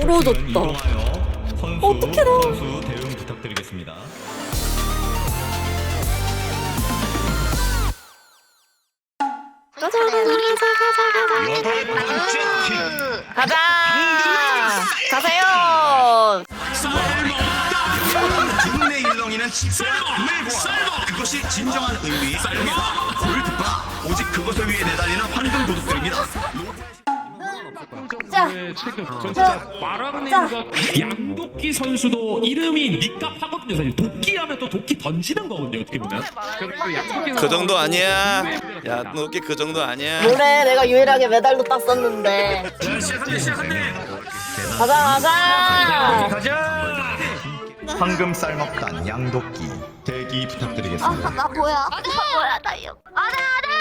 부러졌다. 어떻게 나? 선수 대응 부탁드리겠습니다. 가자. 가자. 가세요. 국내 일렁이는 쌀먹 그것이 진정한 의미 골드바 오직 그것을 위해 내달리는 황금 도둑들입니다. 양도끼 선수도 이름이 닉값하거든요. 사실 도끼하면 또 도끼 던지는 거거든요. 어떻게 보면. 그 정도 아니야. 야, 너께 그 정도 아니야. 뭐래? 내가 유일하게 메달도 땄었는데. 가자. 황금 쌀먹단 양도끼 대기 부탁드리겠습니다. 나 뭐야? 나 이거. 알아.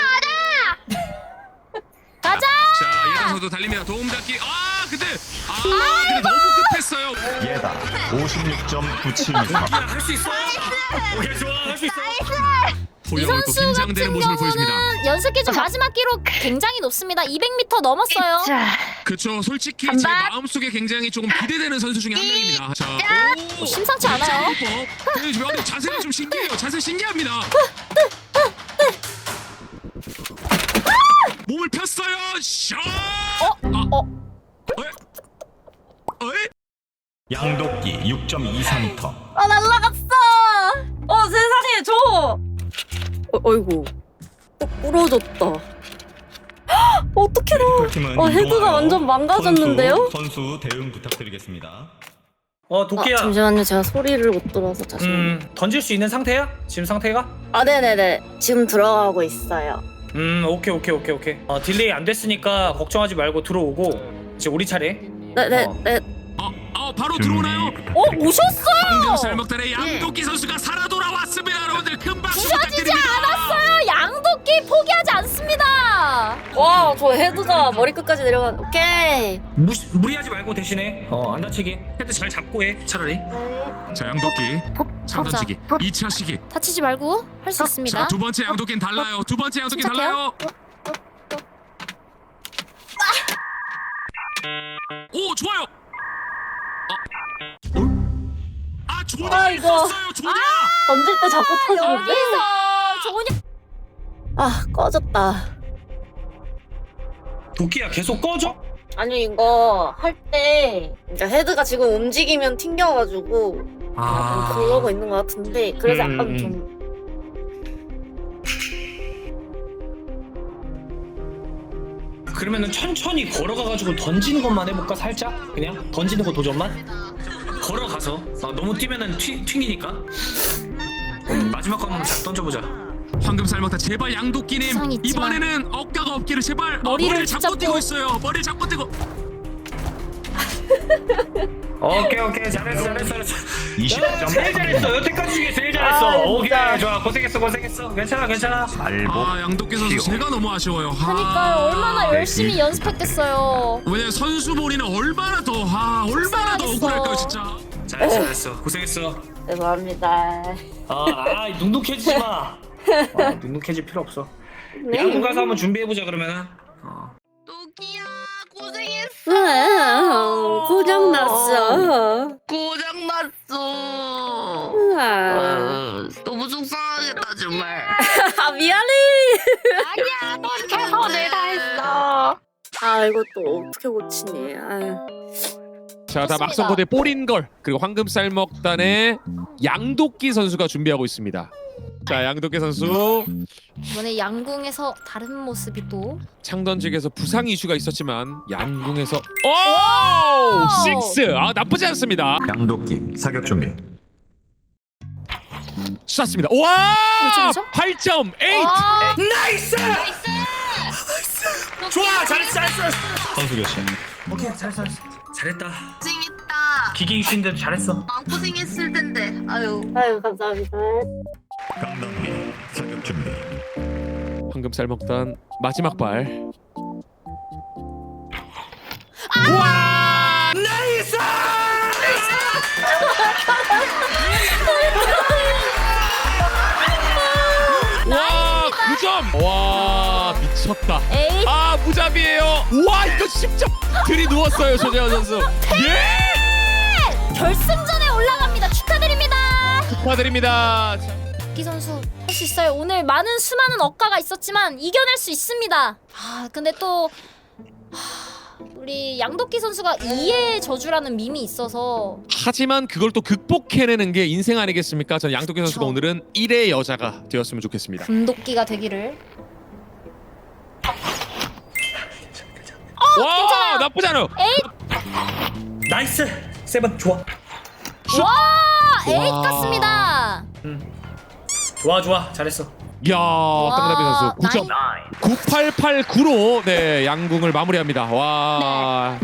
가자. 자, 예단 선수 달립니다. 도움 닫기. 근데 너무 급했어요. 예다 56.97m. 할 수 있어. 오케이, 좋아. 할 수 있어. 이 선수 같은 경우는 연습 기준 마지막 기록 굉장히 높습니다. 200m 넘었어요. 그렇죠. 솔직히 간다. 제 마음속에 굉장히 조금 기대되는 선수 중에 한 명입니다. 자, 심상치 않아요. 근데 자세가 좀 신기해요. 자세 신기합니다. 몸을 폈어요. 샷! 양도끼 6.24m. 날라갔어. 세상에 줘. 어이구. 부러졌다. 어떻게 나? 팀은 헤드가 완전 망가졌는데요? 선수 대응 부탁드리겠습니다. 도끼야. 잠시만요. 제가 소리를 못 들어서 잠시만요. 던질 수 있는 상태야? 지금 상태가? 네네네. 지금 들어가고 있어요. 오케이. 딜레이 안 됐으니까 걱정하지 말고 들어오고 이제 우리 차례. 네. 바로 들어오나요? 오셨어요. 황금 쌀먹단의 양도끼 선수가 살아 돌아왔습니다. 여러분들 큰 박수 부서지지 부탁드립니다. 않았어요. 양도끼 포기하지 않습니다. 와, 저 헤드가 머리 끝까지 내려간. 오케이. 무리하지 말고 대신에 안 다치게 헤드 잘 잡고 해 차라리. 자, 양도끼 상단치기 2차 시기. 다치지 말고 할 수 있습니다. 자, 두 번째 양도끼는 달라요. 두 번째 양도끼 침착해요. 달라요. 오, 좋아요. 조냐 있었어요. 조냐. 던질 때 자꾸 터지는데. 여기서 조냐. 꺼졌다. 도끼야 계속 꺼져? 아니 이거 할 때 이제 헤드가 지금 움직이면 튕겨가지고 약간 그러고 있는 것 같은데 그래서 약간 좀 그러면은 천천히 걸어가가지고 던지는 것만 해볼까 살짝? 그냥 던지는 거 도전만? 걸어가서 너무 뛰면은 튕기니까. 마지막 거 한번 잘 던져보자. 황금 쌀먹단 제발 양도끼님 부상이 있지만 이번에는 억가가 없기를 제발. 머리를 잡고 붙잡고. 뛰고 있어요. 머리를 잡고 뛰고. 오케이 잘했어. 20점. 제일 잘했어. 여태까지 중에 제일 잘했어. 오케이 좋아. 고생했어. 괜찮아. 양도끼 선수 제가 너무 아쉬워요. 그러니까요. 얼마나 열심히 연습했겠어요. 왜냐면 선수 본인은 얼마나 더 얼마나 더 고생하겠어. 억울할까요 진짜. 잘했어. 고생했어. 죄송합니다. 눅눅해지지 마. 눅눅해질 필요 없어. 네. 야구 가서 한번 준비해보자 그러면은. 도끼야 고생했어. 고장났어. 너무 속상하겠다 정말. 미안해. 아니야 넌 최선을 다했어. 이거 또 어떻게 고치니? 자, 다 좋습니다. 막성고대 뽀린걸 그리고 황금쌀먹단의 양도끼 선수가 준비하고 있습니다. 자, 양도끼 선수 이번에 양궁에서 다른 모습이 또 창던직에서 부상 이슈가 있었지만 양궁에서 오! 6! 나쁘지 않습니다. 양도끼 사격 준비. 쐈습니다. 와! 뭐죠? 8.8! 나이스! 좋아 잘했어. 선수 교체. 오케이 잘했다. 고생했다. 기계 이슈인데도 잘했어. 고생했을 텐데. 아유. 감사합니다. 강단비 사격 준비. 황금쌀먹단 마지막 발. 나이스! 와, 9점! 와, 미친. 졌다. 에이. 아 무잡이에요. 와 이거 진짜 들이 누웠어요 조재현 선수. 예. 결승전에 올라갑니다. 축하드립니다. 축하드립니다. 기 선수 할 수 있어요. 오늘 많은 수많은 억가가 있었지만 이겨낼 수 있습니다. 아 근데 또 우리 양도끼 선수가 2의 저주라는 밈이 있어서 하지만 그걸 또 극복해내는 게 인생 아니겠습니까? 전 양도기 선수가 그쵸. 오늘은 1의 여자가 되었으면 좋겠습니다. 금도끼가 되기를. 와 괜찮아요. 나쁘지 않아요. 에잇! 나이스 세븐 좋아 와! 에잇 같습니다. 좋아 잘했어. 이야 땅나비 선수 9점 9889로 네 양궁을 마무리합니다. 와.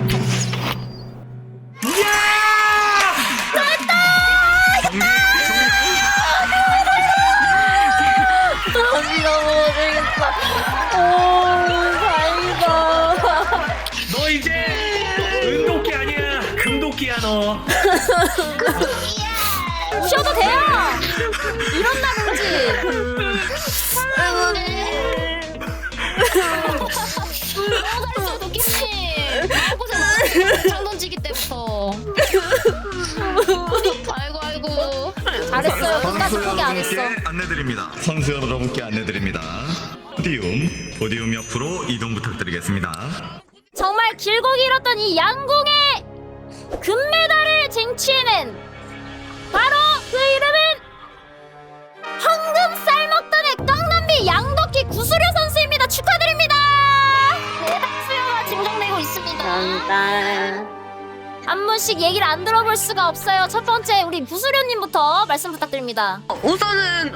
오, 다행이다. 너 이제 은도끼 아니야 금도끼야 너. 쉬어도 돼요. 이런 날 오지. 장 던지기 때부터. 아이고. 잘했어요. 끝까지 포기 안 했어. 안내드립니다. 선수 여러분께 안내드립니다. 포디움 옆으로 이동 부탁드리겠습니다. 정말 길고 길었던 이 양궁의 금메달을 쟁취해낸 바로 그 이름은 황금 쌀먹단의 깡남비 양덕기 구수려 선수입니다. 축하드립니다. 대박 수요가 진정되고 있습니다. 감사합니다. 한 분씩 얘기를 안 들어볼 수가 없어요. 첫 번째 우리 부수려님부터 말씀 부탁드립니다. 우선은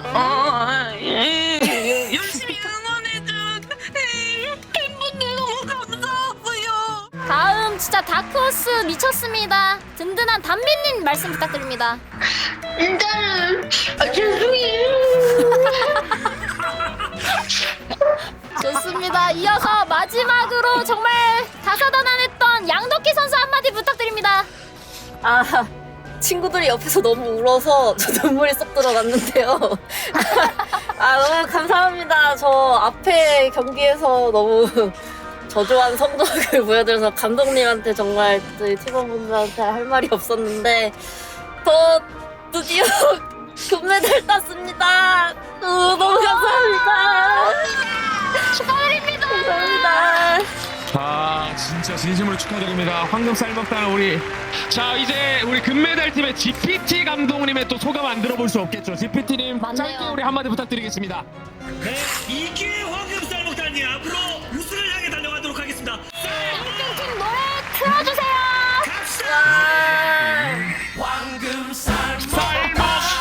열심히 응원해준 팬분들 너무 감사하고요. 다음 진짜 다크호스 미쳤습니다. 든든한 담비님 말씀 부탁드립니다. 일단은 죄송해요. 좋습니다. 이어서 마지막으로 정말 다사다난했던 양덕기 선수 한마디 부탁드립니다. 아, 친구들이 옆에서 너무 울어서 저 눈물이 쏙 들어갔는데요. 아, 너무 감사합니다. 저 앞에 경기에서 너무 저조한 성적을 보여드려서 감독님한테 정말 저희 팀원분들한테 할 말이 없었는데 저 드디어 금메달 땄습니다. 너무 감사합니다. 축하드립니다. 감사합니다. 아 진짜 진심으로 축하드립니다. 황금 쌀먹단 우리 자 이제 우리 금메달 팀의 GPT 감독님의 또 소감 안 들어볼 수 없겠죠. GPT님 짧게 우리 한마디 부탁드리겠습니다. 네, 이 기회 황금 쌀먹단이 앞으로 우승을 향해 달려가도록 하겠습니다. 양팀 노래 틀어주세요. 황금 쌀먹단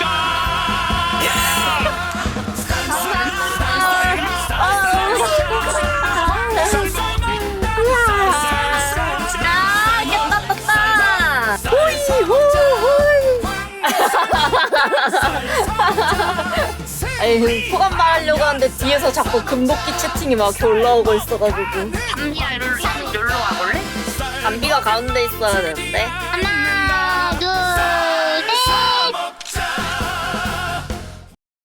아니, 소감 말하려고 하는데 뒤에서 자꾸 금도끼 채팅이 막 이렇게 올라오고 있어가지고. 담비야 일로 와볼래? 담비가 가운데 있어야 되는데. 하나 둘